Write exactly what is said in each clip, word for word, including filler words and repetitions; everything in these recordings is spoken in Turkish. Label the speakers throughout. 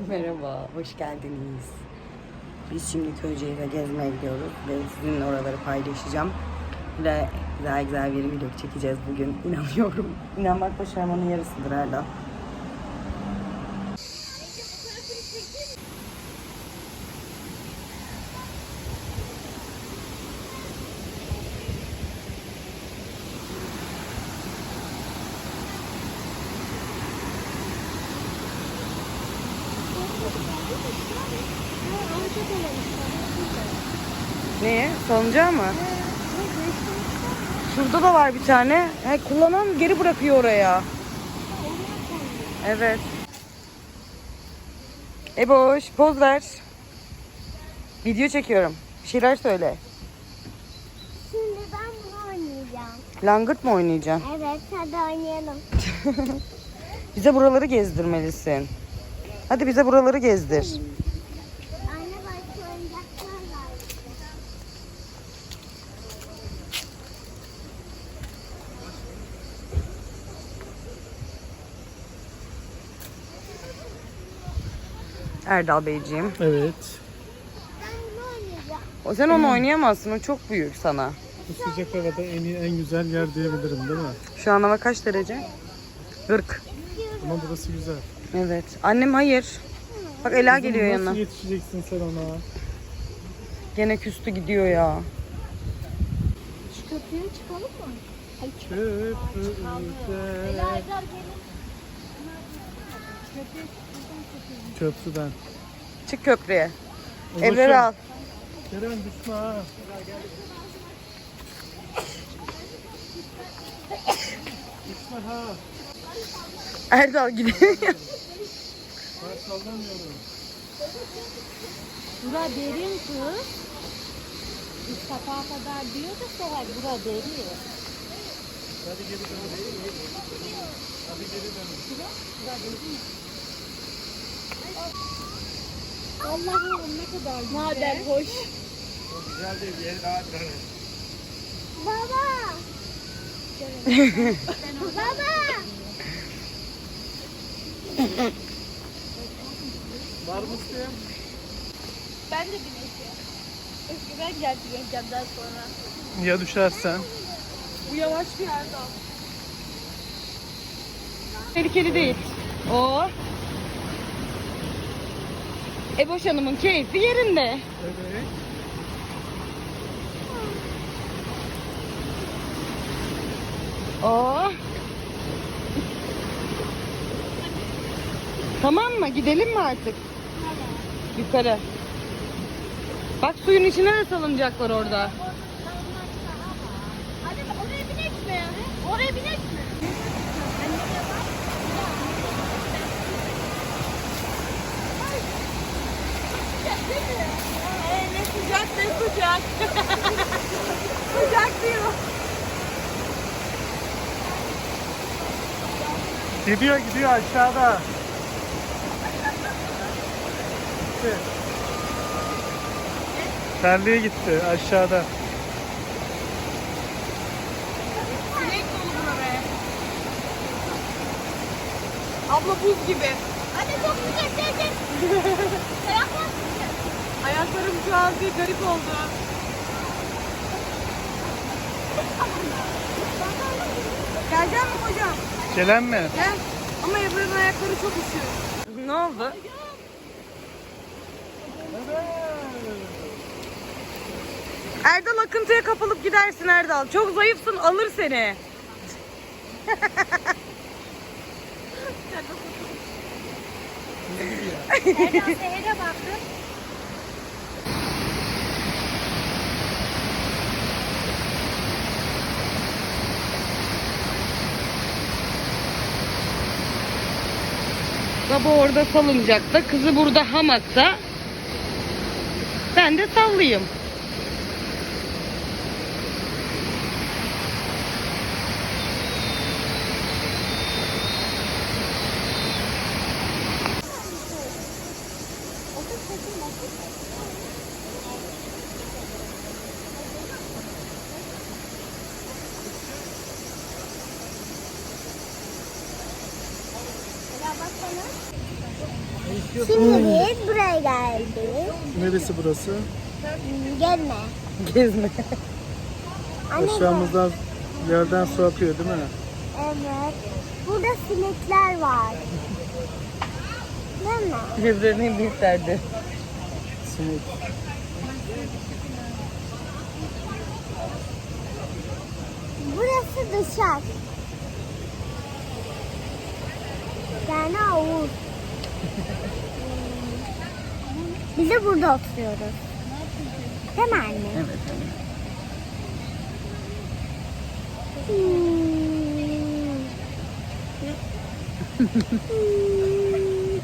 Speaker 1: Merhaba, hoş geldiniz. Biz şimdi Köyceğiz'e gezmeye gidiyoruz ve sizinle oraları paylaşacağım. Ve güzel güzel bir video çekeceğiz bugün. İnanıyorum. İnanmak başarmanın yarısıdır Erdal. Neye? Salıncağı mı? Şurada da var bir tane. He, kullanan geri bırakıyor oraya. Evet. Eboş, poz ver. Video çekiyorum. Bir şeyler söyle.
Speaker 2: Şimdi ben bunu oynayacağım.
Speaker 1: Langırt mı oynayacaksın?
Speaker 2: Evet, hadi oynayalım.
Speaker 1: Bize buraları gezdirmelisin. Hadi bize buraları gezdir.
Speaker 2: Anne başka oyuncaklar var.
Speaker 1: Erdal Beyciğim.
Speaker 3: Evet.
Speaker 2: Ben bunu oynayacağım.
Speaker 1: O sen onu oynayamazsın. O çok büyük sana.
Speaker 3: Bu sıcak havada en iyi, en güzel yer diyebilirim değil mi?
Speaker 1: Şu an hava kaç derece? kırk.
Speaker 3: Ama burası güzel.
Speaker 1: Evet. Annem hayır. Bak Ela
Speaker 3: Kızım,
Speaker 1: geliyor
Speaker 3: nasıl
Speaker 1: yanına.
Speaker 3: yetişeceksin sen ona?
Speaker 1: Gene küstü gidiyor ya.
Speaker 2: Şu köprüye çıkalım mı? Ay,
Speaker 3: Köprüde. Köprüden.
Speaker 1: Çık köprüye.
Speaker 3: Ulaşım.
Speaker 1: Evleri al.
Speaker 3: Kerem düşme ha. Düşme ha.
Speaker 1: Erdal gidiyor.
Speaker 3: Ben sallamıyorum.
Speaker 4: Bura derin kız. Üst kapağa kadar diyor da Seher bura derin.
Speaker 3: Hadi geri dön. Hadi geri dön.
Speaker 4: Allah'ım ne kadar güzel. Madem hoş.
Speaker 3: Çok güzel değil. Yeri daha dön.
Speaker 2: Baba! Baba!
Speaker 3: Var mısın?
Speaker 4: Ben de bineceğim. Eskiden geldi yengemden sonra.
Speaker 3: Ya düşersen?
Speaker 4: Bu yavaş bir yerde al.
Speaker 1: Tehlikeli değil. O. Eboş Hanım'ın keyfi yerinde.
Speaker 3: Evet.
Speaker 1: O. Tamam mı? Gidelim mi artık? Yukarı. Bak suyun içine de salıncaklar orada.
Speaker 2: Hadi oraya binek mi? Oraya binek mi?
Speaker 4: Ee, ne sıcak ne sıcak. Sıcak diyor.
Speaker 3: Gidiyor gidiyor aşağıda. Gitti. Terliğe gitti aşağıda.
Speaker 4: Sinek dolu bura be. Abla buz gibi.
Speaker 2: Hadi çok sıcak, gel gel. Ayaklar sıcak.
Speaker 4: Ayaklarım şu an bir garip oldu. Gelecek mi kocam?
Speaker 3: Gelen mi?
Speaker 4: Gel. Ama Ebru'nun ayakları çok üşüyor.
Speaker 1: Ne oldu? Erdal akıntıya kapılıp gidersin Erdal. Çok zayıfsın, alır seni.
Speaker 2: Erdal Seher'e baktım.
Speaker 1: Baba orada salıncakta, kızı burada hamakta. Ben de sallayayım.
Speaker 2: Şimdi biz buraya geldik.
Speaker 3: Neresi burası?
Speaker 2: Gezme.
Speaker 1: Gezme.
Speaker 2: Anne,
Speaker 3: Aşağımızdan yerden su akıyor değil mi?
Speaker 2: evet. Burada sinekler var. Değil mi?
Speaker 1: Birbirinin en büyük derdi.
Speaker 3: Sinek.
Speaker 2: Burası dışarı. Yani havuz. Biz de burada oturuyoruz. Değil mi anne?
Speaker 1: Evet, evet.
Speaker 2: Hmm.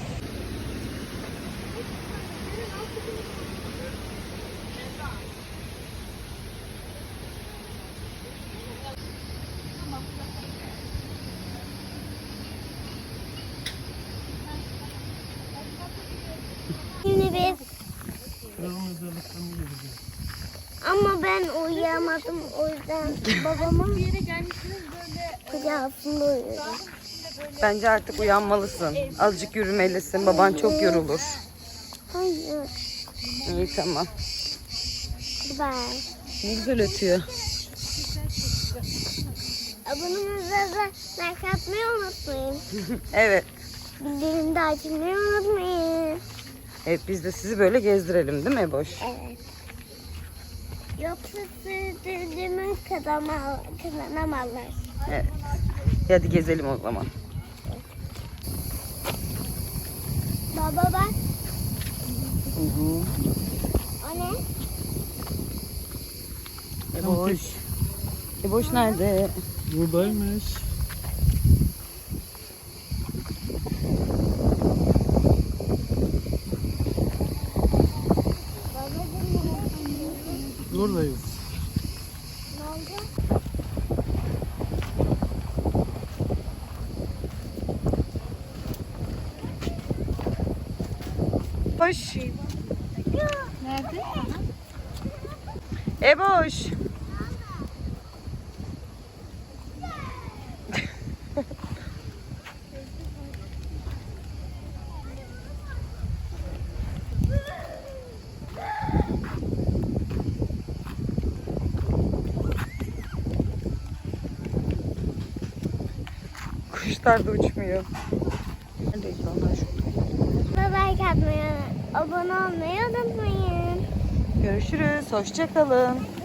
Speaker 2: Şimdi biz ama ben uyuyamadım o yüzden babamın bir yere gelmişsiniz böyle kucağında uyuyorum.
Speaker 1: Bence artık uyanmalısın. Azıcık yürümelisin. Baban çok yorulur.
Speaker 2: Hayır.
Speaker 1: İyi, tamam.
Speaker 2: Bye.
Speaker 1: Ne güzel ötüyor.
Speaker 2: Abonumuza da like atmayı unutmayın.
Speaker 1: Evet.
Speaker 2: Bildirimde açmayı unutmayın.
Speaker 1: Evet, biz de sizi böyle gezdirelim değil mi Eboş?
Speaker 2: Evet. Yoksa sürdürdüğümü kazanamazlar.
Speaker 1: Evet. Hadi gezelim o zaman.
Speaker 2: Baba bak.
Speaker 1: Hı hı.
Speaker 2: O ne?
Speaker 1: Eboş. Eboş nerede?
Speaker 3: Buradaymış. Buradayız.
Speaker 2: Ne oldu?
Speaker 1: Eboş.
Speaker 4: Nerede?
Speaker 1: Eboş. Kuşlar da uçmuyor. Neredeydi onlar şurada?
Speaker 2: Like atmayı, abone olmayı unutmayın.
Speaker 1: Görüşürüz. Hoşça kalın.